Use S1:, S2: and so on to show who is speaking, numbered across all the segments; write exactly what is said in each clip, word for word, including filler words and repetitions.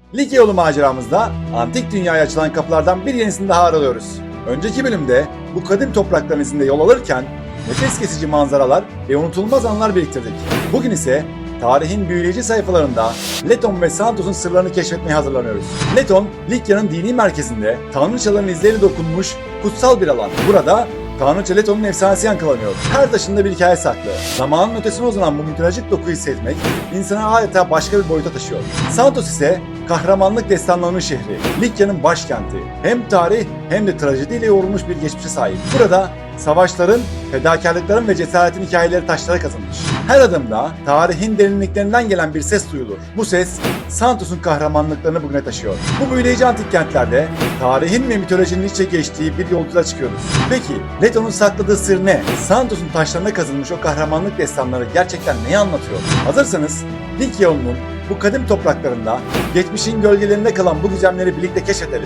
S1: Likya yolu maceramızda antik dünyaya açılan kapılardan bir yenisini daha aralıyoruz. Önceki bölümde bu kadim toprakların izinde yol alırken nefes kesici manzaralar ve unutulmaz anlar biriktirdik. Bugün ise tarihin büyüleyici sayfalarında Leton ve Santos'un sırlarını keşfetmeye hazırlanıyoruz. Leton, Likya'nın dini merkezinde tanrıçaların izleri dokunmuş kutsal bir alan. Burada Tanrıça Leton'un efsanesi yankılanıyor. Her taşında bir hikaye saklı. Zamanın ötesine uzanan bu mitolojik dokuyu hissetmek insanı adeta başka bir boyuta taşıyor. Santos ise kahramanlık destanlarının şehri. Likya'nın başkenti. Hem tarih hem de trajediyle yoğrulmuş bir geçmişe sahip. Burada savaşların, fedakarlıkların ve cesaretin hikayeleri taşlara kazınmış. Her adımda tarihin derinliklerinden gelen bir ses duyulur. Bu ses Santos'un kahramanlıklarını bugüne taşıyor. Bu büyüleyici antik kentlerde tarihin ve mitolojinin iç içe geçtiği bir yolculuğa çıkıyoruz. Peki Leton'un sakladığı sır ne? Santos'un taşlarına kazınmış o kahramanlık destanları gerçekten neyi anlatıyor? Hazırsanız Likya yolunun bu kadim topraklarında geçmişin gölgelerinde kalan bu gizemleri birlikte keşfedelim.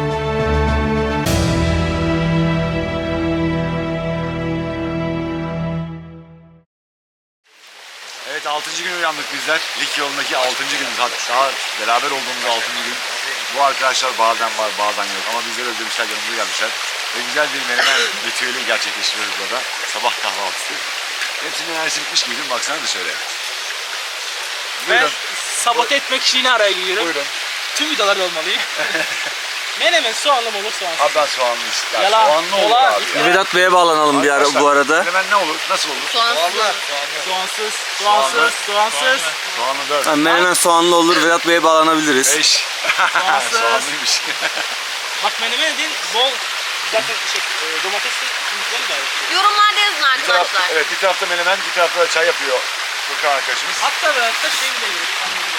S1: Evet, altıncı gün uyandık bizler. Likya yolundaki altıncı günümüz. Hatta beraber olduğumuz altıncı gün. Bu arkadaşlar bazen var bazen yok ama bizleri özlemişler, yanımıza gelmişler. Ve güzel bir menemen ritüeli gerçekleştiriyoruz burada. Sabah kahvaltısı. Hepsinin enerjisi bitmiş gibi, baksana dışarıya. Buyurun.
S2: Ben sabote etmek için yine araya giriyorum.
S1: Buyurun.
S2: Tüm videolarda olmalıyım. Menemen soğanlı mı olur soğansız?
S1: Abi ben soğanlı istedim.
S2: Yalan,
S1: Soğanlı olur
S2: dolar,
S1: abi ya.
S3: Vedat Bey'e bağlanalım bir ara bu arada.
S1: Menemen ne olur? Nasıl olur?
S4: Soğansız.
S2: Soğansız, soğansız, soğansız.
S1: Soğanlı dört.
S3: Ha, menemen soğanlı olur, Vedat Bey'e bağlanabiliriz.
S1: Beş.
S2: Soğansız.
S1: Soğanlıymış.
S2: Bak menemen dediğin bol zaten şey, e, domatesli yumurtalı da yapıyor.
S4: Yorumlarda yazın
S1: Bir taraf,
S4: arkadaşlar.
S1: evet, bir tarafta menemen, bir tarafta da çay yapıyor Furkan arkadaşımız.
S2: Hatta ve hatta şey bile yiyoruz.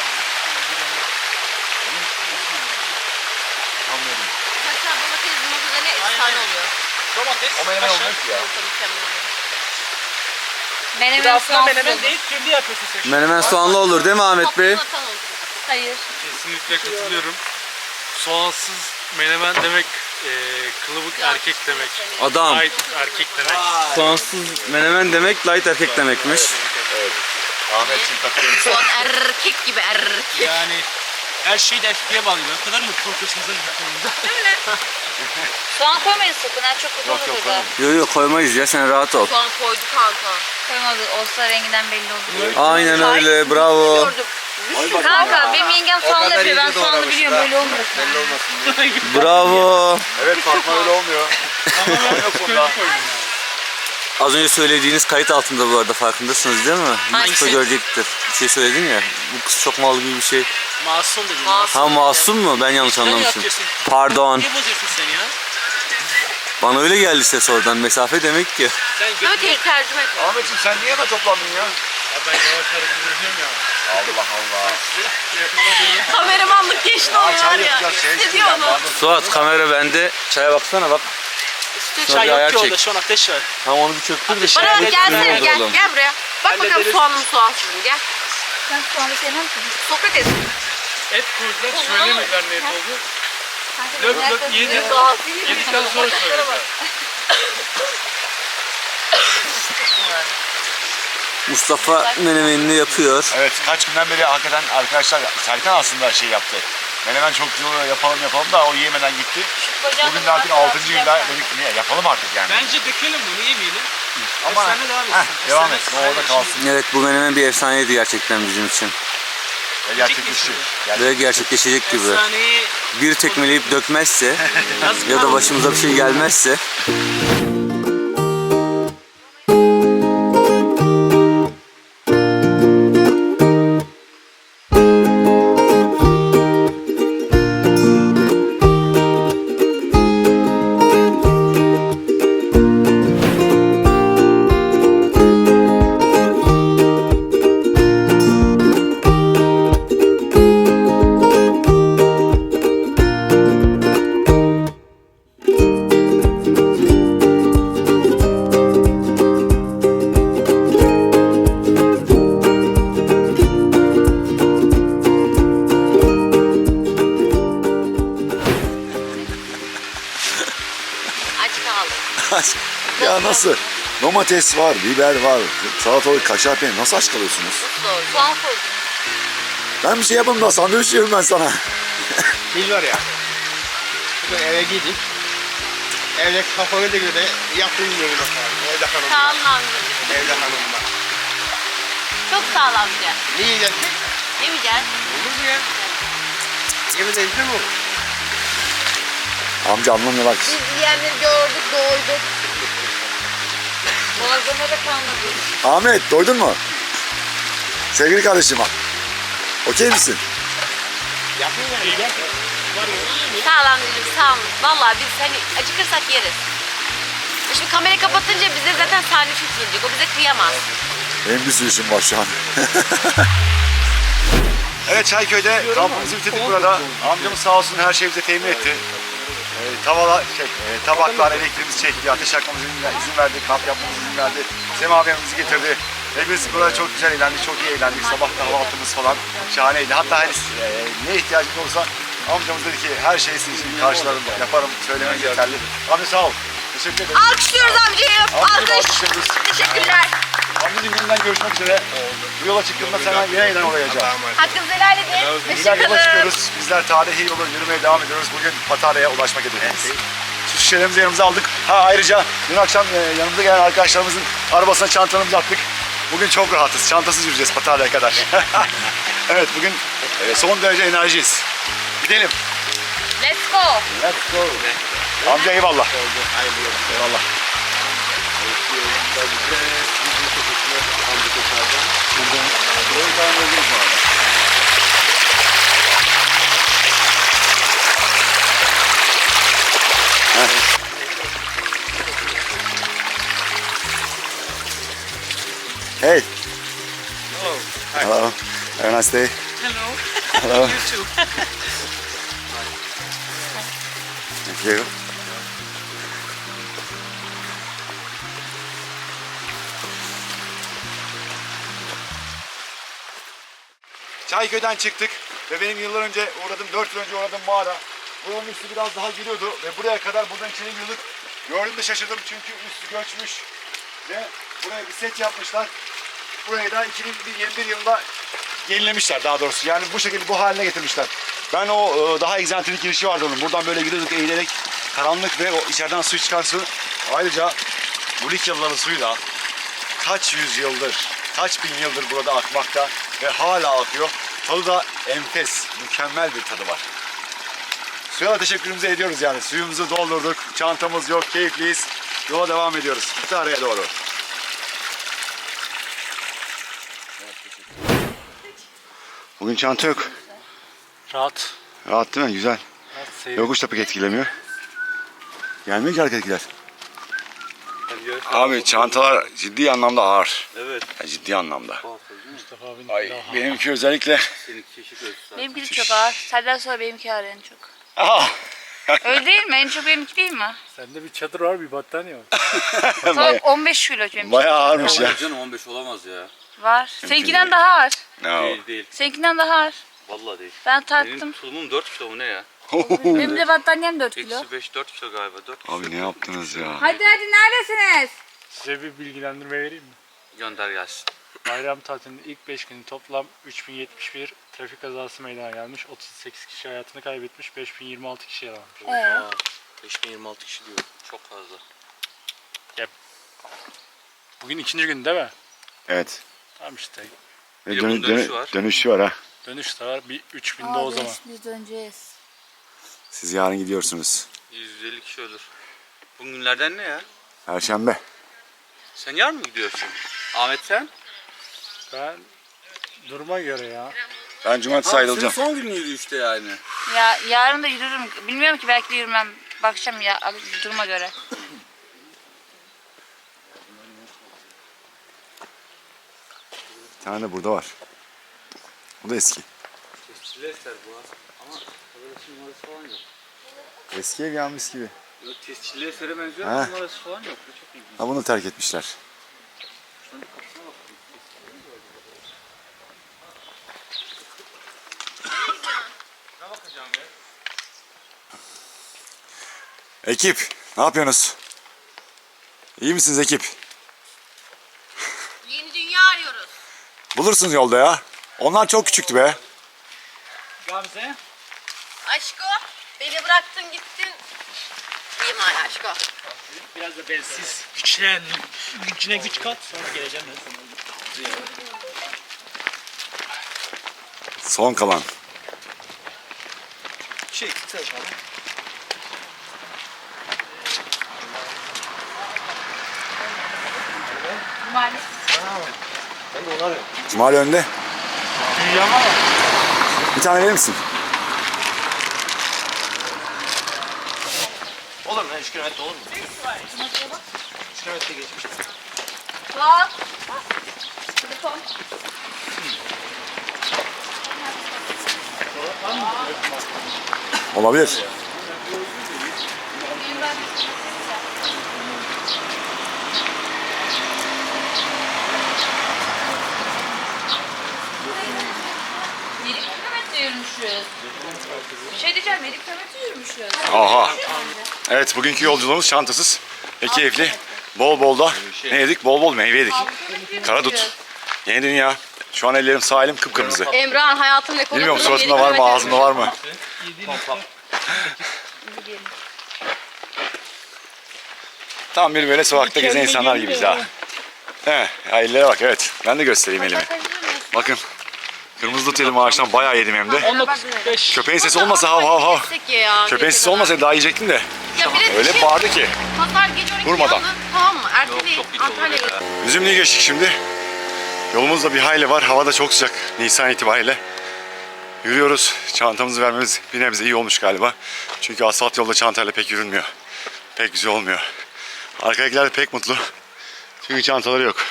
S1: Anladım.
S4: Hatta domates yumurtalarına
S2: Aynen.
S4: efsane oluyor.
S2: Domates,
S1: O menemen
S2: kaşar.
S1: olmuyor ki ya.
S4: Yumurta mükemmel oluyor.
S2: Bir de
S4: Menemen
S2: aslında
S4: soğansız
S2: menemen
S4: olur.
S2: değil, kendi yapıyorsun sen.
S3: Menemen soğanlı olur değil mi Ahmet Bey?
S4: Patlıcan atan olsun.
S5: Hayır.
S6: Kesinlikle katılıyorum. Soğansız menemen demek e, kılıbık erkek demek.
S3: Adam.
S6: Light erkek demek.
S3: Soğansız menemen demek light erkek demekmiş.
S1: Evet. Ahmetciğim takıyorum.
S4: Soğan erkek gibi erkek.
S2: Yani her şeyi de erkeğe bağlıyorlar. O kadar mı korkuyorsunuz lan bu konuda?
S5: Soğan koymayın sakın ha, çok kötü
S1: Yok
S5: olur
S1: yok
S5: burada.
S1: koyalım.
S3: Yok yok koymayız ya, sen rahat ol.
S4: Soğan koydu kanka.
S5: Koymadı, olsa renginden belli olur.
S3: Aynen öyle, bravo.
S4: Gördüm.
S5: Kanka benim yengem soğanlı yapıyor, ben soğanlı biliyorum, böyle olmasın.
S3: Bravo.
S1: Evet, Fatma öyle olmuyor. Yok bunda.
S3: Az önce söylediğiniz kayıt altında bu arada, farkındasınız değil mi?
S2: Hangisi?
S3: Yusuf görecektir. Bir şey söyledin ya, bu kız çok mal gibi bir şey.
S2: Masum dedin.
S4: Masum.
S3: Ha, masum mu? Ben yanlış
S2: Sen
S3: anlamışım.
S2: yapıyorsun.
S3: Pardon.
S2: Niye bozuyorsun sen ya?
S3: Bana öyle geldi ses oradan. Mesafe demek ki.
S2: Sen
S4: Böyle
S2: götürme.
S4: tek tercüme et.
S1: Ahmetciğim sen niye hemen toplandın ya?
S6: Ben yavaş hareket ediyorum ya.
S1: Allah Allah.
S4: Kameramanlık geçti
S1: Aa,
S4: oluyor
S1: çay
S4: var ya.
S1: yapacağız, şey
S4: Hissediyor
S1: isteyeceğim.
S4: onu.
S1: Pardon.
S3: Suat, kamera bende. Çaya baksana bak.
S2: Üstte
S3: Sonra
S2: çay
S3: bir ayar
S2: yok ki orada,
S3: çek.
S2: şu an ateş var.
S3: Ha, onu bir çöktür de şey.
S4: Bana bak,
S2: Evet,
S4: gelsene
S2: evet,
S4: gel.
S3: oğlum.
S4: Gel buraya. Bak bakalım
S2: Hallederiz.
S4: soğanlı mı soğansız mı, gel.
S5: Ben soğanı sevmem ki.
S4: Sokrates.
S6: Et koydular, söylemediler ne et oldu.
S5: Kanka,
S6: Löp
S5: nerede-
S6: löp yedi. Yedikten sonra söylediler.
S3: Mustafa menemenini yapıyor.
S1: Evet, kaç günden beri hakikaten arkadaşlar Serkan aslında şey yaptı. Menemen çok güzel oluyor, yapalım yapalım da o yiyemeden gitti. Bugün de artık altıncı günde dedik niye yapalım artık yani.
S2: Bence dökelim bunu, yemeyelim.
S1: Ama
S2: Efsane devam etsin.
S1: heh, devam et,
S2: Efsane-
S1: o orada kalsın.
S3: Evet, bu menemen bir efsaneydi gerçekten bizim için.
S1: Ve gerçekleşti.
S3: Ve gerçekleşecek gibi.
S2: Efsaneyi
S3: Bir tekmeleyip dökmezse
S2: yazık
S3: ya da
S2: kaldı.
S3: başımıza bir şey gelmezse.
S4: Aç kaldım.
S1: Ya nasıl? Domates var, biber var, salatalık, kaşar peynir. Nasıl aç kalıyorsunuz?
S4: Doğru.
S5: Soğan koydum.
S1: Ben bir şey yapayım da sandviç yiyorum ben sana.
S2: Biz var ya. Bugün eve gittik. Evde kafana da göre yapayım diyorum bakalım. Evde hanım
S4: Sağ
S2: var.
S4: olun amcacığım.
S2: Evde hanım var.
S4: Çok sağ ol amca.
S2: Ne yiyeceksin?
S4: Yemeyeceğiz.
S2: Olur mu ya? Yemin değilse mi olur?
S1: Amca anlamıyor bak.
S4: Biz yiyenleri gördük, doyduk. Malzeme de kalmadı.
S1: Ahmet doydun mu? Sevgili kardeşim. Okey misin?
S2: Yapayım yani. Gel. Var ya.
S4: Sağ ol amcacığım, sağ ol. Vallahi biz hani acıkırsak yeriz. Şimdi kamerayı kapatınca bize zaten sahne çok gelecek. O bize kıyamaz.
S1: Benim bir sürü işim var şu an. Evet Çayköy'de kampımızı bitirdik burada. Amcamız sağ olsun her şeyi bize temin etti. Ee, tavala, şey, e, tabaklar, elektriğimiz çekti, ateş yakmamıza izin verdi, kamp yapmamıza izin verdi. Sema abimizi getirdi. Ve biz burada çok güzel eğlendik, çok iyi eğlendik. Sabah kahvaltımız falan şahaneydi. Hatta her, e, ne ihtiyacımız olursa amcamız dedi ki her şeyi sizin için karşılarım, yaparım, söylemeniz yeterli. Amca sağ ol. Teşekkür ederim.
S4: Alkışlıyoruz amcayı.
S1: Amcayı
S4: Alkış.
S1: alkışlıyoruz.
S4: Teşekkürler.
S1: Amcacığım yeniden görüşmek üzere. Bu yola çıktığımda sana yine yeniden uğrayacağım.
S4: Hakkınızı helal edin.
S1: Bizler yola
S4: Hoşçakalın.
S1: çıkıyoruz. Bizler tarihi yolu yürümeye devam ediyoruz. Bugün Patarya'ya ulaşmak hedefimiz. Şu şişelerimizi yanımıza aldık. Ha ayrıca dün akşam e, yanımıza gelen arkadaşlarımızın arabasına çantalarımızı attık. Bugün çok rahatız. Çantasız yürüyeceğiz Patarya'ya kadar. Evet bugün e, son derece enerjiyiz. Gidelim.
S4: Let's go.
S1: Let's go. Amca eyvallah. Eyvallah. Hey.
S2: Hello.
S1: Hello. Have a nice day.
S5: Hello.
S1: Hello.
S5: You too.
S1: Thank you. Çayköy'den çıktık ve benim yıllar önce uğradım, dört yıl önce uğradım mağara. Buranın üstü biraz daha giriyordu ve buraya kadar buradan içeri girdik. Gördüm şaşırdım çünkü üstü göçmüş ve buraya bir set yapmışlar. Burayı da iki bin yirmi bir yılında yenilemişler daha doğrusu. Yani bu şekilde bu haline getirmişler. Ben o e, daha egzantrik girişi vardı onun. Buradan böyle gidiyorduk eğilerek. Karanlık ve o içeriden su çıkan su. Ayrıca bu Likyalıların suyu da kaç yüzyıldır, kaç bin yıldır burada akmakta ve hala akıyor. Tadı da enfes, mükemmel bir tadı var. Suya da teşekkürümüzü ediyoruz yani. Suyumuzu doldurduk, çantamız yok, keyifliyiz. Yola devam ediyoruz. Patarya'ya doğru. Bugün çanta yok.
S6: Rahat.
S1: Rahat değil mi? Güzel.
S6: Rahat seyir.
S1: Yokuş da pek etkilemiyor. Gelmiyor ki hareketler. Abi çantalar ciddi anlamda ağır.
S3: Evet.
S1: Ya ciddi anlamda.
S6: Mustafa abinin
S1: Ay
S6: daha-
S1: benimki özellikle.
S5: Benimki de çok ağır. Senden sonra benimki ağır en çok.
S1: Aha.
S5: Öyle değil mi? En çok benimki değil mi?
S6: Sende bir çadır var, bir battaniye var.
S5: Tamam on beş kilo benimki.
S1: Bayağı ağırmış ya.
S3: Canım on beş olamaz ya.
S5: Var. Seninkinden daha ağır.
S1: No.
S3: Değil değil.
S5: Seninkinden daha ağır.
S3: Vallahi değil.
S5: Ben
S3: Benim
S5: tarttım.
S3: tulumum dört kilo mu ne ya?
S5: Benim de battaniyem dört kilo.
S3: Eksi beş dört kilo galiba. dört kilo.
S1: Abi ne yaptınız ya?
S5: Hadi hadi neredesiniz?
S6: Size bir bilgilendirme vereyim mi?
S3: Gönder gelsin.
S6: Bayram tatilinin ilk beş günü toplam üç bin yetmiş bir trafik kazası meydana gelmiş. otuz sekiz kişi hayatını kaybetmiş. beş bin yirmi altı kişi yaralanmış.
S5: Ee,
S3: beş bin yirmi altı kişi diyor. Çok fazla.
S6: Bugün ikinci gün değil mi?
S1: Evet.
S6: Tamam işte.
S1: Ve
S3: Bir de
S1: dönü-
S3: bunun dönüşü
S1: dönü-
S3: var.
S1: dönüşü var ha.
S6: Dönüş de var. Bir üç binde
S5: aa,
S6: o zaman.
S5: biz- Biz döneceğiz.
S1: Siz yarın gidiyorsunuz.
S3: yüz elli kişi ölür. Bugün günlerden ne ya?
S1: Perşembe.
S3: Sen yarın mı gidiyorsun? Ahmet sen?
S6: Ben duruma göre ya.
S1: Ben cumartesi ayrılacağım.
S3: son günüydü işte yani.
S5: Ya yarın da yürürüm. Bilmiyorum ki belki de yürümem. Bakacağım ya duruma göre.
S1: Bir tane de burada var. Bu da eski.
S3: Tescilli eser bu ha. Ama arkadaşın numarası falan yok.
S1: Eski ev yanmış gibi.
S3: Yok tescilli esere benziyor
S1: Ha.
S3: ama numarası falan yok. Bu çok ilginç.
S1: Ha bunu terk etmişler.
S3: Şunun kapısına bak. Ne bakacağım ya?
S1: Ekip, ne yapıyorsunuz? İyi misiniz ekip?
S4: Yeni dünya arıyoruz.
S1: Bulursunuz yolda ya. Onlar çok küçüktü be.
S6: Gamze.
S4: Aşko, beni bıraktın gittin. İyiyim hala Aşko.
S7: Biraz da bensiz güçlen, gücüne güç kat sonra geleceğim ben sana.
S1: Son kalan.
S7: Şey, tutar falan.
S1: Cumali önde.
S6: Dünya var.
S1: Bir tane verir misin?
S7: Olur mu? üç kilometre olur mu? üç kilometre geçmiş.
S5: Bak. Telefon.
S1: Olabilir.
S5: yedi kilometre yürümüşüz. Bir şey diyeceğim, yedi kilometre yürümüşüz.
S1: Aha. Evet, bugünkü yolculuğumuz çantasız ve keyifli. Bol bol da ne yedik? Bol bol meyve yedik. Karadut. Yeni dünya. Şu an ellerim sağ elim kıpkırmızı.
S4: Emrah'ın hayatının ekonomisi.
S1: Bilmiyorum suratında var mı, ağzında var mı? Tam bir böyle sokakta gezen insanlar gibiyiz ha. He, ya ellere bak, evet. Ben de göstereyim elimi. Bakın. Kırmızı dut yedim ağaçtan, bayağı yedim hem de.
S7: on dokuz beş.
S1: Köpeğin sesi olmasa hav hav hav. Köpeğin sesi olmasa daha yiyecektim de.
S4: Ya bir de
S1: Öyle
S4: şey,
S1: bağırdı ki.
S4: pazar gece on iki
S1: Durmadan.
S4: yandı, tamam mı? Erteleyin Antalya'ya.
S1: Üzümlü'yü geçtik şimdi. Yolumuzda bir hayli var. Hava da çok sıcak Nisan itibariyle. Yürüyoruz. Çantamızı vermemiz bir nebze iyi olmuş galiba. Çünkü asfalt yolda çantayla pek yürünmüyor. Pek güzel olmuyor. Arkadakiler de pek mutlu. Çünkü çantaları yok.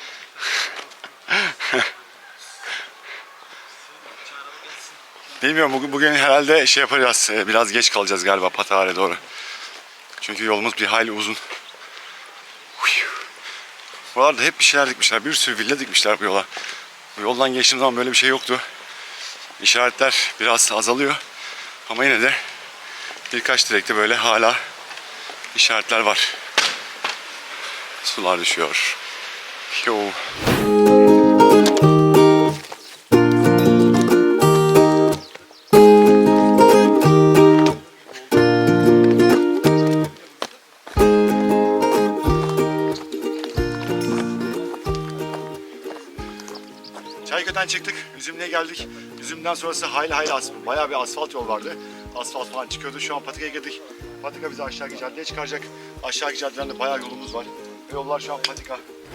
S1: Bilmiyorum, bugün, bugün herhalde şey yapacağız. Biraz geç kalacağız galiba Pataga'ya doğru. Çünkü yolumuz bir hayli uzun. Buralarda hep bir şeyler dikmişler. Bir sürü villa dikmişler bu yola. Bu yoldan geçtiğim zaman böyle bir şey yoktu. İşaretler biraz azalıyor. Ama yine de birkaç direkte böyle hala işaretler var. Sular düşüyor. Yo. Çayköy'den çıktık, Üzümlü'ye geldik. Üzümlü'den sonrası hayli hayli asfalt, bayağı bir asfalt yol vardı. Asfalt falan çıkıyordu. Şu an Patika'ya girdik. Patika bizi aşağıki caddeye çıkaracak. Aşağıki caddeden de bayağı yolumuz var. Ve yollar şu an Patika.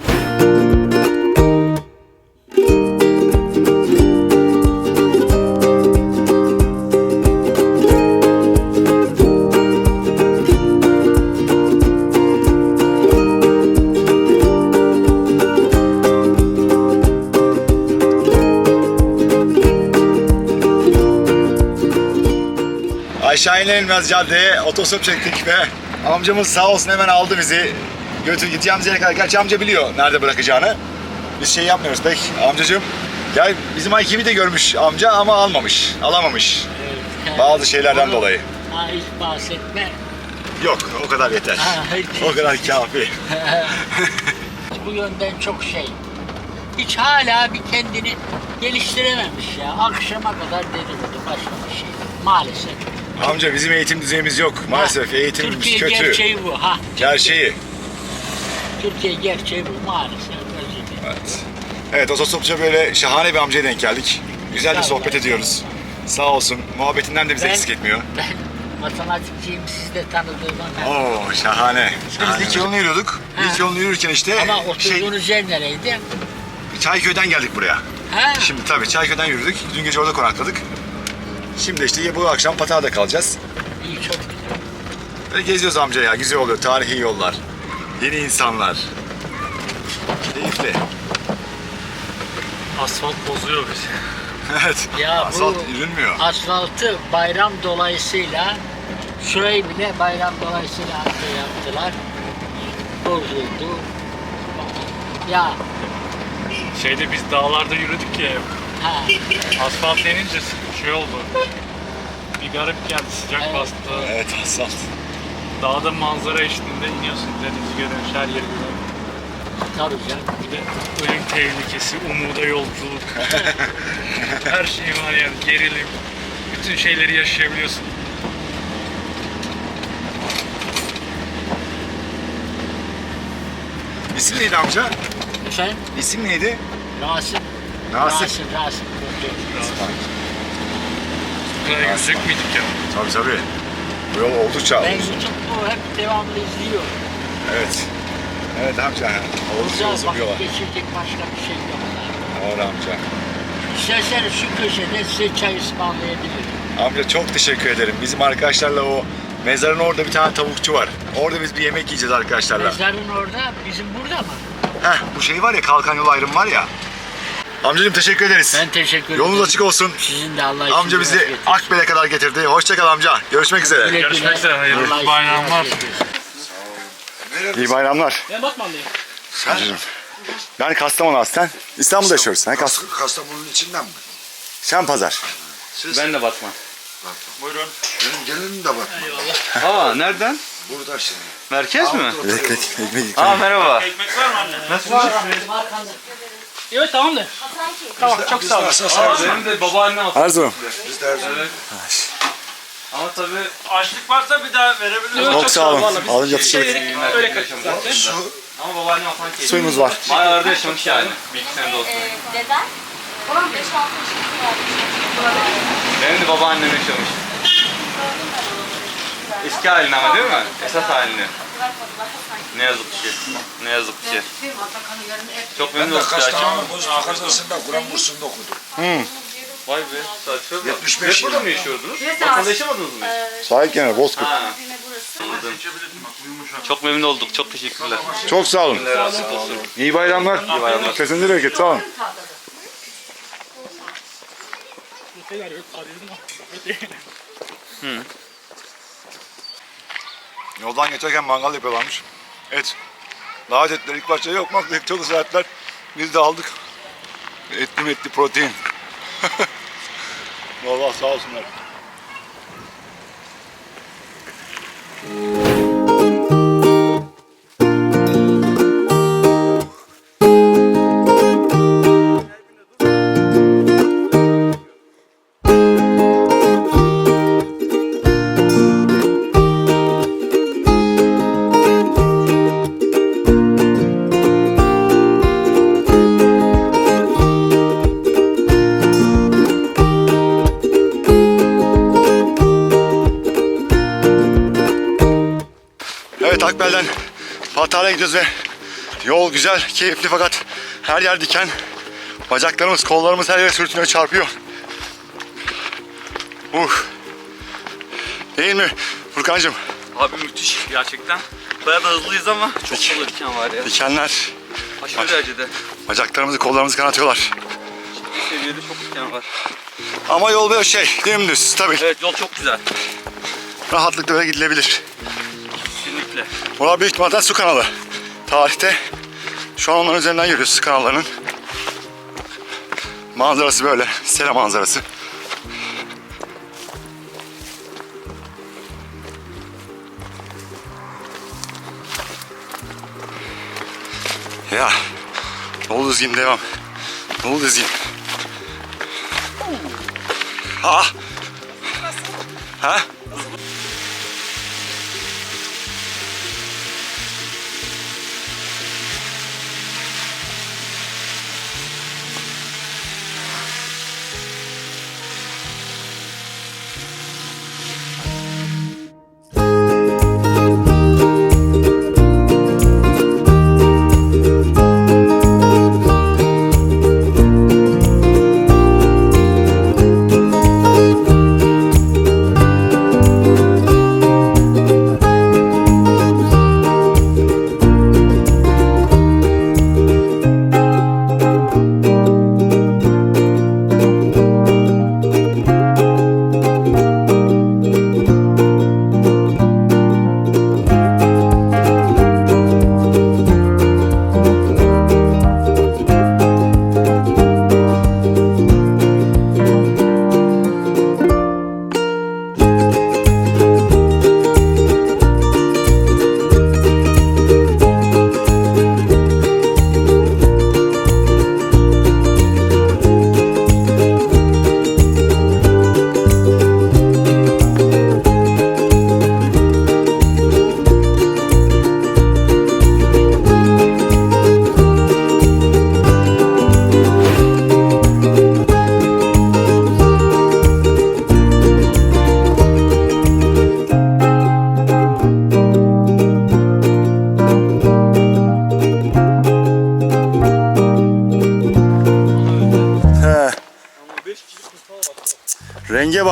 S1: Aşağı inilmez caddeye otostop çektik ve amcamız sağ olsun hemen aldı bizi. Götür gideceğimiz yere kadar. Gerçi amca biliyor nerede bırakacağını. Biz şey yapmıyoruz pek. Amcacığım gel, bizim ay kimi de görmüş amca ama almamış, alamamış.
S8: Evet.
S1: Bazı şeylerden dolayı.
S8: Ha, hiç bahsetme.
S1: Yok, o kadar yeter.
S8: Ha,
S1: O kadar kafi.
S8: Bu yönden çok şey. Hiç hala bir kendini geliştirememiş ya. Akşama kadar dedikodu, başka bir şey. Maalesef.
S1: Amca bizim eğitim düzeyimiz yok. Maalesef
S8: Ha,
S1: eğitimimiz
S8: Türkiye
S1: kötü.
S8: gerçeği bu. Ha.
S1: Gerçeği.
S8: Türkiye gerçeği bu maalesef. Özür dilerim.
S1: Evet. Evet, otostopça böyle şahane bir amcaya denk geldik. Güzel bir sohbet ediyoruz. Sağ olsun. Muhabbetinden de bize
S8: Ben-
S1: eksik etmiyor.
S8: Ben matematikçiyim, siz de tanıdığıma ben.
S1: Oo, şahane. Biz dik yolunu yürüyorduk.
S8: Ha.
S1: Dik yolunu yürürken işte
S8: Ama
S1: şey,
S8: oturduğunuz yer nereydi?
S1: Çayköy'den geldik buraya.
S8: Ha.
S1: Şimdi tabii Çayköy'den yürüdük. Dün gece orada konakladık. Şimdi işte bu akşam Pataga'da kalacağız.
S8: İyi, çok güzel.
S1: Böyle geziyoruz amca ya. Güzel oluyor. Tarihi yollar. Yeni insanlar. Keyifli.
S6: Asfalt bozuyor bizi.
S1: Evet.
S8: Ya bu-
S1: Asfalt yürünmüyor.
S8: Asfaltı bayram dolayısıyla şurayı bile bayram dolayısıyla şey yaptılar. Bozuldu. Ya
S6: Şeyde biz dağlarda yürüdük ya.
S8: ha,
S6: Asfalt denince şey oldu. Bir garip geldi, sıcak
S8: Evet.
S6: bastı.
S1: Evet, asfalt.
S6: Dağda manzara eşliğinde iniyorsun, denizi görüyorsun, her yeri görüyorsun.
S8: tabii canım.
S6: Bir de ölüm tehlikesi, umuda yolculuk. Her şey var yani, gerilim. bütün şeyleri yaşayabiliyorsun.
S1: İsim neydi amca?
S8: Efendim?
S1: İsim neydi?
S8: Rasim.
S1: Nasip.
S8: Rasim, Rasim.
S6: Bu kadar yüksek miydik ya?
S1: Tabii tabii. Bu yol oldukça
S8: Ben
S1: uzun.
S8: YouTube'u hep devamlı izliyorum.
S1: Evet. Evet amca. Oldukça
S8: Burada
S1: uzun bir yol.
S8: vakit geçirecek başka bir şey yok.
S1: Doğru amca.
S8: İsterseniz şu köşede size çay ısmarlayabilirim.
S1: Amca çok teşekkür ederim. Bizim arkadaşlarla o mezarın orada bir tane tavukçu var. Orada biz bir yemek yiyeceğiz arkadaşlarla.
S8: Mezarın orada, bizim burada mı?
S1: Heh, bu şey var ya, kalkan yol ayrımı var ya. Amcacığım teşekkür ederiz.
S8: Ben teşekkür ederim.
S1: Yolunuz açık olsun.
S8: Sizin de Allah için
S1: Amca bizi
S8: getirsin.
S1: Akbel'e kadar getirdi. Hoşça kal amca. Görüşmek üzere.
S8: Güle güle.
S6: Görüşmek üzere, hayırlı
S8: Allah işinizi
S6: bayramlar.
S8: rast getirsin.
S1: İyi bayramlar.
S7: Ben Batmanlıyım.
S1: Amcacığım. Ben Kastamonu aslen. İstanbul'da yaşıyoruz. Sen Kas
S9: Kastamonu'nun içinden mi?
S1: Sen Pazar.
S9: Siz?
S3: Ben de Batman.
S9: Buyurun. Benim gelinim de var.
S3: Aa nereden?
S9: Burada şimdi.
S3: Merkez mi?
S1: Ekmek, ekmek.
S3: Aa merhaba.
S7: Ekmek var mı anne? Nasıl var? Evet tamamdır. Tamam çok sağ olun.
S3: Benim de babaannem olsun.
S1: Erzurum.
S9: Biz de her zaman.
S3: Ama tabii
S7: Açlık varsa bir daha verebilirim.
S1: Çok sağ olun. Alınca
S7: Şey
S1: tuşladık.
S7: dedik, öyle kaçtık zaten.
S3: ama babaannem Hasan Keyif.
S1: Suyumuz var.
S3: Bayağı orada yaşamış yani. Bir iki sene de olsun.
S4: Deden? Onun beş altı yaşında var.
S3: Benim de babaannem yaşamış. Eski halini ama değil mi? Esas halini. Ne yazık ki. Ne yazık ki. Çok
S9: Ben
S3: memnun
S9: de
S3: olduk gerçekten.
S9: Kastamonu Bozca Kazası'nda Kur'an kursunda okudum.
S3: Vay be. Saçma.
S9: yetmiş beş
S3: Hep burada
S9: yıl.
S3: mı yaşıyordunuz? Batı'da yaşamadınız mı hiç?
S1: Sahil kenarı Bozkurt.
S3: Ha. Anladım. Çok memnun olduk. Çok teşekkürler.
S1: Çok sağ olun.
S3: Allah razı olsun.
S1: İyi bayramlar. İyi
S3: bayramlar.
S1: Kesinize bereket. Sağ olun. Yoldan geçerken mangal yapıyorlarmış. Et. Davet ettiler. İlk başta yok mu? Çok ısrar ettiler. Biz de aldık. Etli metli protein. Vallahi sağ olsunlar. Evet, Akbel'den Patara'ya gidiyoruz ve yol güzel, keyifli fakat her yer diken. Bacaklarımız, kollarımız her yere sürtünüyor, çarpıyor. Uh. Değil mi Furkancığım?
S3: Abi müthiş gerçekten. Bayağı da hızlıyız ama çok fazla diken var ya.
S1: Dikenler
S3: Aşırı derecede.
S1: bacaklarımızı, kollarımızı kanatıyorlar.
S3: Ciddi seviyede çok diken var.
S1: Ama yol böyle şey, dümdüz, stabil.
S3: Evet yol çok güzel.
S1: Rahatlıkla böyle gidilebilir.
S3: Kesinlikle.
S1: Burası büyük ihtimalle su kanalı. Tarihte şu an onların üzerinden yürüyoruz, su kanallarının. Manzarası böyle, sera manzarası. Ya, dolu düzgün devam. Dolu düzgün. Ha? Ha?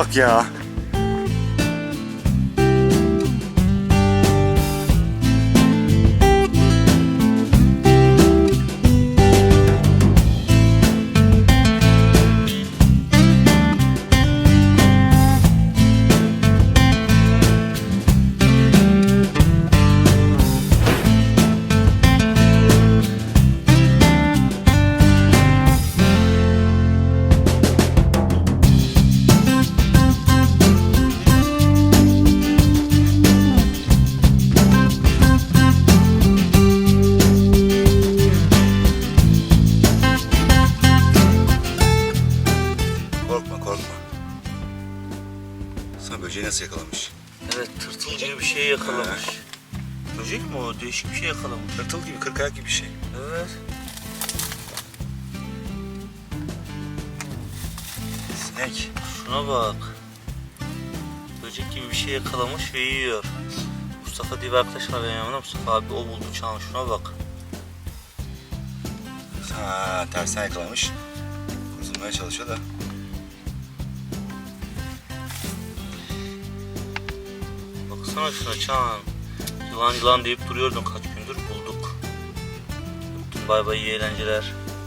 S1: bak ya.
S10: Korkma korkma. Sana böceği nasıl yakalamış?
S3: Evet, tırtıl gibi bir şey yakalamış. Böcek mi o? Değişik bir şey yakalamış.
S10: Tırtıl gibi, kırk ayak gibi bir şey.
S3: Evet.
S10: Sinek.
S3: Şuna bak. Böcek gibi bir şey yakalamış ve yiyor. Mustafa diye bir arkadaş var benim yanımda. Mustafa abi o buldu çağın. Şuna bak.
S10: Ha, tersten yakalamış. Kurtulmaya çalışıyor da.
S3: Baksana şuna Çağan. Yılan yılan deyip duruyordun kaç gündür, bulduk. Öptüm, bay bay, iyi eğlenceler.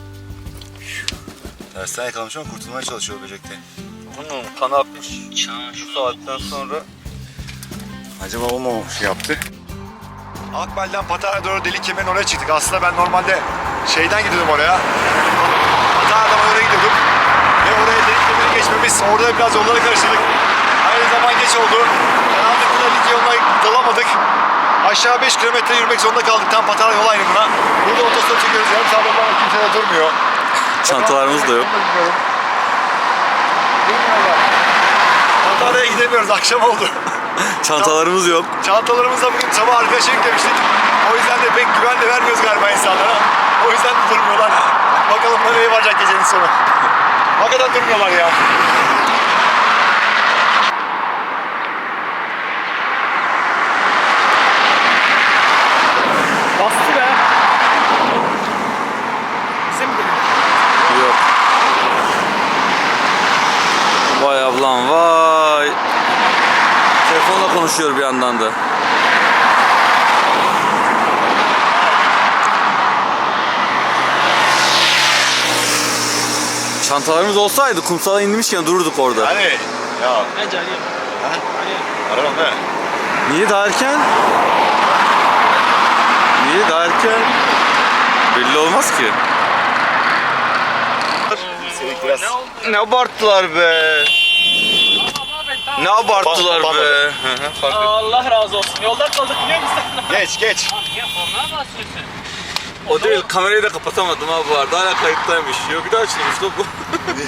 S10: Tersten yakalamış ama kurtulmaya çalışıyor böcekte.
S3: Bunun kanı akmış. Çağan şu saatten sonra.
S10: Acaba o mu şey yaptı?
S1: Akbel'den Patara'ya doğru delik kemerin oraya çıktık. Aslında ben normalde şeyden gidiyordum oraya. Patara'dan oraya gidiyordum. Ve oraya delik kemeri geçmemiz, orada biraz yolları karıştırdık. Aynı zaman geç oldu. Karanlıkta lig yoluna dalamadık. Aşağı beş kilometre yürümek zorunda kaldık tam Patara yol ayrımına. Burada otostop çekiyoruz. Yarım saat olmadan kimse de durmuyor.
S3: Çantalarımız da yok.
S1: Patara'ya gidemiyoruz. Akşam oldu.
S3: Çantalarımız yok.
S1: Çantalarımızla bugün sabah arkadaşa yüklemiştik. O yüzden de pek güven de vermiyoruz galiba insanlara. O yüzden de durmuyorlar. Bakalım nereye varacak gecenin sonu. Hakikaten durmuyorlar ya.
S7: Bastı be. Bize mi geliyor?
S3: Yok. Vay ablam vay. Telefonla konuşuyor bir yandan da. Çantalarımız olsaydı kumsala inmişken dururduk orada.
S1: Hani ya
S7: Bence arayalım.
S1: arabam be.
S3: Niye daha erken? Niye daha erken? Belli olmaz ki.
S1: Senin biraz
S3: Ne abarttılar be. Ne abarttılar
S1: Bak-
S3: be.
S7: Allah razı olsun. Yolda kaldık biliyor musun?
S1: geç geç.
S7: Ya onlara basıyorsun.
S3: O değil, kamerayı da kapatamadım ha bu arada. Hala kayıttaymış. Yok bir daha açılmış da bu.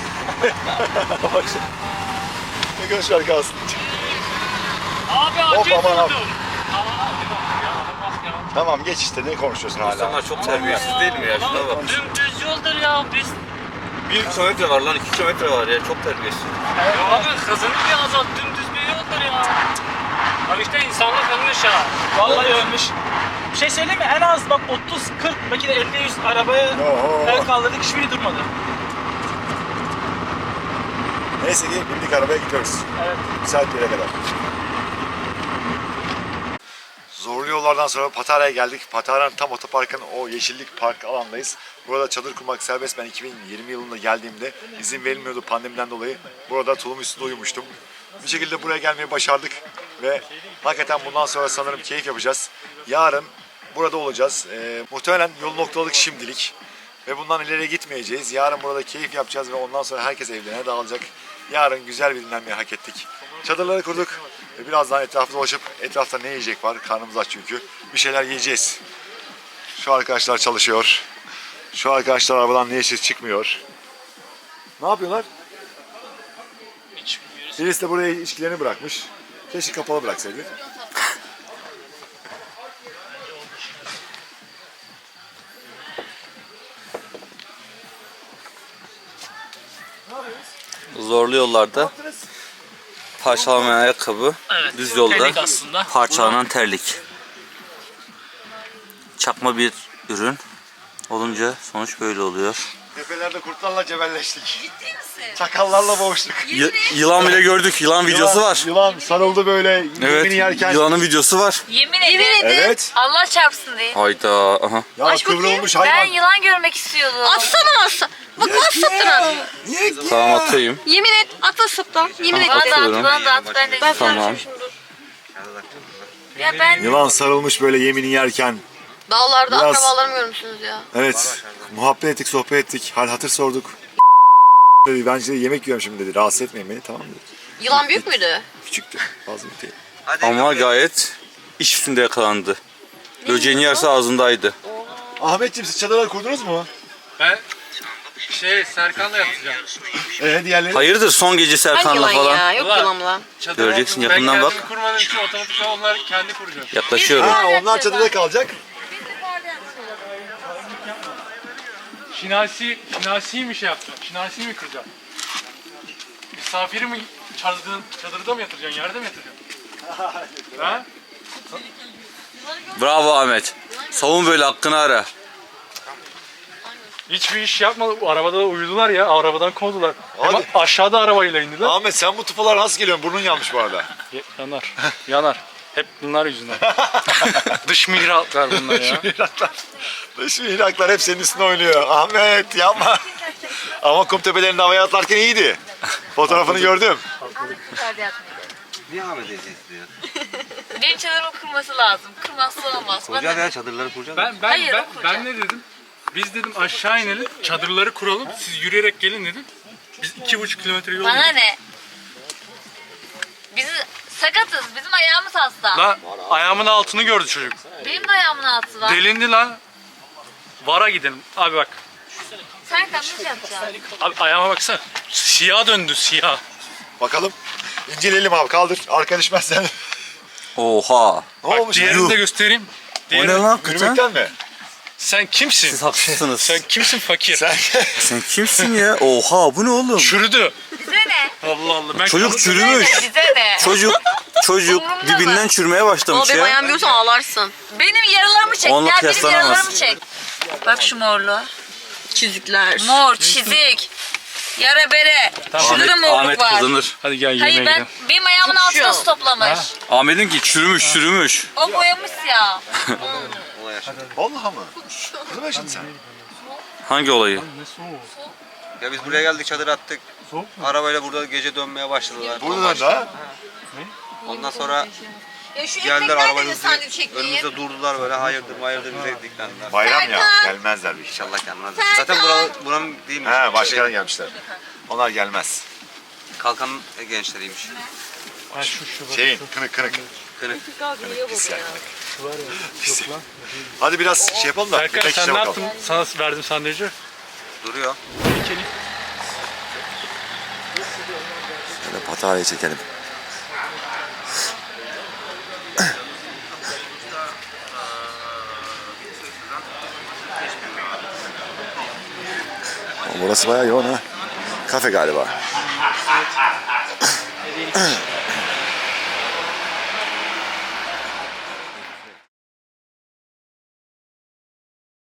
S1: Ne göz şarkı kalsın.
S7: Abi
S1: Hop,
S7: acil
S1: aman abi.
S7: durdum.
S1: Tamam geç işte ne konuşuyorsun hala?
S3: İnsanlar çok terbiyesiz değil mi ya? Şuna bak.
S7: Dümdüz yoldur ya biz.
S3: Bir kilometre var lan, iki kilometre var ya. Çok terbiyesiz.
S7: Ya abi hızını bir azalt dümdüz bir yoldur ya. Abi işte insanlık ölmüş ya. Vallahi ölmüş. Bir şey söyleyeyim mi? En az bak otuz kırk belki de elli yüz arabaya
S1: Oho.
S7: el kaldırdık hiçbiri durmadı.
S1: Neyse ki bindik arabaya gidiyoruz.
S7: Evet.
S1: Bir saat bir yere kadar. Zorlu yollardan sonra Patara'ya geldik. Patara'nın tam otoparkın o yeşillik park alandayız. Burada çadır kurmak serbest. Ben iki bin yirmi yılında geldiğimde izin verilmiyordu pandemiden dolayı. Burada tulum üstünde uyumuştum. Bir şekilde buraya gelmeyi başardık. Ve hakikaten bundan sonra sanırım keyif yapacağız. Yarın burada olacağız. Ee, muhtemelen yolu noktaladık şimdilik. Ve bundan ileriye gitmeyeceğiz. Yarın burada keyif yapacağız ve ondan sonra herkes evlerine dağılacak. Yarın güzel bir dinlenmeyi hak ettik. Çadırları kurduk ve birazdan etrafı dolaşıp etrafta ne yiyecek var? Karnımız aç çünkü. Bir şeyler yiyeceğiz. Şu arkadaşlar çalışıyor. Şu arkadaşlar arabadan ne işsiz çıkmıyor. Ne yapıyorlar?
S7: Hiç bilmiyoruz.
S1: Birisi de buraya içkilerini bırakmış. Keşke kapalı bıraksaydı.
S3: Zorlu yollarda parçalamayan ayakkabı,
S7: Evet,
S3: düz yolda
S7: terlik aslında.
S3: parçalanan terlik. Çakma bir ürün olunca sonuç böyle oluyor.
S1: Tepelerde kurtlarla cebelleştik.
S5: Ciddi misin?
S1: Çakallarla boğuştuk.
S3: Y- yılan bile gördük. Yılan videosu var.
S1: Yılan sarıldı böyle
S3: Evet.
S1: yemini yerken.
S3: Yılanın videosu var.
S5: Yemin ederim.
S1: Evet.
S5: Allah çarpsın diye.
S3: Hayda. Aha.
S1: Ya
S4: Aç bakayım.
S1: kıvrılmış
S5: Ben
S1: hayvan.
S5: yılan görmek istiyordum.
S4: Atsana atsa. Bak nasıl sattın at.
S3: Tamam atayım.
S4: Yemin et atla saptan. Yemin et.
S5: Bana da at,
S3: Atıyorum.
S5: bana da at. Ben de
S4: Ben
S3: Tamam.
S5: Ya ben
S1: Yılan sarılmış böyle yemini yerken.
S4: Dağlarda
S1: Biraz-
S4: akrabalarımı görmüşsünüz ya.
S1: Evet. Muhabbet ettik, sohbet ettik. Hal hatır sorduk. Dedi, bence yemek yiyorum şimdi dedi. Rahatsız etmeyin beni, tamam dedi.
S4: Yılan büyük müydü?
S1: Küçüktü. Fazla bir değil.
S3: Ama gayet iş üstünde yakalandı. Böceğini yerse ağzındaydı.
S1: Ahmetciğim siz çadırları kurdunuz mu?
S6: Ben şey Serkan'la yatacağım.
S1: Ee diğerleri?
S3: Hayırdır son gece
S4: Hangi
S3: Serkan'la
S4: yılan
S3: falan.
S4: ya? Yok
S6: Ulan.
S4: yılan lan.
S6: Çadır
S3: Göreceksin,
S6: ben
S3: yakından bak.
S6: kendim kurmadığım için otomatik onlar kendi kuracak.
S3: Yaklaşıyorum.
S1: Ha onlar çadırda kalacak.
S6: Şinasi, Şinasi'yi mi şey yapacaksın? Şinasi'yi mi kıracaksın? Misafiri mi çadırda, çadırda mı yatıracaksın? Yerde mi yatıracaksın? Ha?
S3: Bravo Ahmet. Savun böyle hakkını ara.
S6: Hiçbir iş yapmadı. Arabada da uyudular ya. Arabadan kovdular. Hem
S1: Hadi.
S6: aşağıda arabayla indiler.
S1: Ahmet sen bu tıpalar nasıl geliyorsun? Burnun yanmış bu arada.
S6: Ya- Yanar. Yanar. Hep bunlar yüzünden. Dış mihraklar bunlar ya.
S1: Mihraklar. Dış mihraklar hep senin üstüne oynuyor. Ahmet yapma. Ama kum tepelerinde havaya atlarken iyiydi. Fotoğrafını gördüm.
S10: Niye Ahmet eziyet ediyor?
S5: benim çadırımı kırması lazım. Kırmazsa olmaz.
S10: Kuracağız ya çadırları kuracağız.
S6: Ben ben
S5: Hayır,
S6: ben,
S5: o kuracak.
S6: ben ne dedim? Biz dedim aşağı inelim, çadırları kuralım. Siz yürüyerek gelin dedim. Biz iki buçuk kilometre yol
S5: Bana
S6: yürüdük.
S5: ne? Biz sakatız. Bizim ayağımız hasta.
S6: Lan ayağımın altını gördü çocuk.
S5: Benim de ayağımın altı var.
S6: Delindi lan. Vara gidelim. Abi bak.
S5: Sen nasıl yapacaksın?
S6: Abi ayağıma baksana. Siyah döndü siyah.
S1: Bakalım. İnceleyelim abi kaldır. Arka düşmezsen.
S3: Oha.
S1: Ne
S6: Bak
S1: olmuş?
S6: diğerini de göstereyim.
S3: O
S6: Diğerini-
S3: ne lan hakikaten?
S1: Yürümekten mi?
S6: Sen kimsin?
S3: Siz haklısınız.
S6: Sen kimsin fakir?
S1: Sen
S3: Sen kimsin ya? Oha bu ne oğlum?
S6: Çürüdü.
S5: Bize ne?
S6: Allah Allah. Ben
S3: Çocuk
S6: kalıp-
S3: çürümüş.
S5: Bize ne?
S3: Çocuk çocuk
S5: Umurumda
S3: dibinden
S5: mı?
S3: çürümeye
S4: Ama
S3: başlamış
S4: benim
S3: ya.
S4: ayağımı görürsen ağlarsın.
S5: Benim yaralarımı çek.
S3: Onunla
S5: Gel benim
S3: kıyaslanamaz.
S5: yaralarımı çek. Bak şu morlu.
S4: Çizikler.
S5: Mor, çizik. Yara bere. Şurada da
S3: Ahmet,
S5: morluk
S3: Ahmet
S5: var.
S3: kazanır.
S6: Hadi gel yemeğe
S5: Hayır ben
S6: gidelim.
S5: benim ayağımın altına su toplamış.
S3: Ahmet'in ki çürümüş çürümüş.
S5: O boyamış ya.
S1: vallahi mı? Ne zaman yaşadın sen?
S3: Hangi olayı?
S10: Ya biz buraya geldik çadır attık. Arabayla burada gece dönmeye başladılar.
S1: Buradan da.
S10: Ondan sonra
S4: Ya şu
S10: geldiler
S4: ekmekler
S10: arabayı
S4: de sandviç çekmeyin.
S10: önümüzde durdular böyle hayırdır hayırdır bize diklendiler.
S1: Bayram ya. Gelmezler bir iş.
S10: İnşallah gelmezler. Zaten buranın, buranın değilmiş.
S1: He başkadan gelmişler. Onlar gelmez.
S10: Kalkan gençleriymiş.
S6: Ha şu şu bak.
S1: Şeyin kınık kınık.
S10: Kınık.
S1: Pis yani kınık. Pis. Hadi biraz şey yapalım da.
S6: Serkan
S1: yemek
S6: sen
S1: işine
S6: ne
S1: bakalım.
S6: yaptın? Sana verdim sandviçi.
S10: Duruyor.
S1: Şöyle pataryayı çekelim. Burası bayağı yoğun ha. Kafe galiba.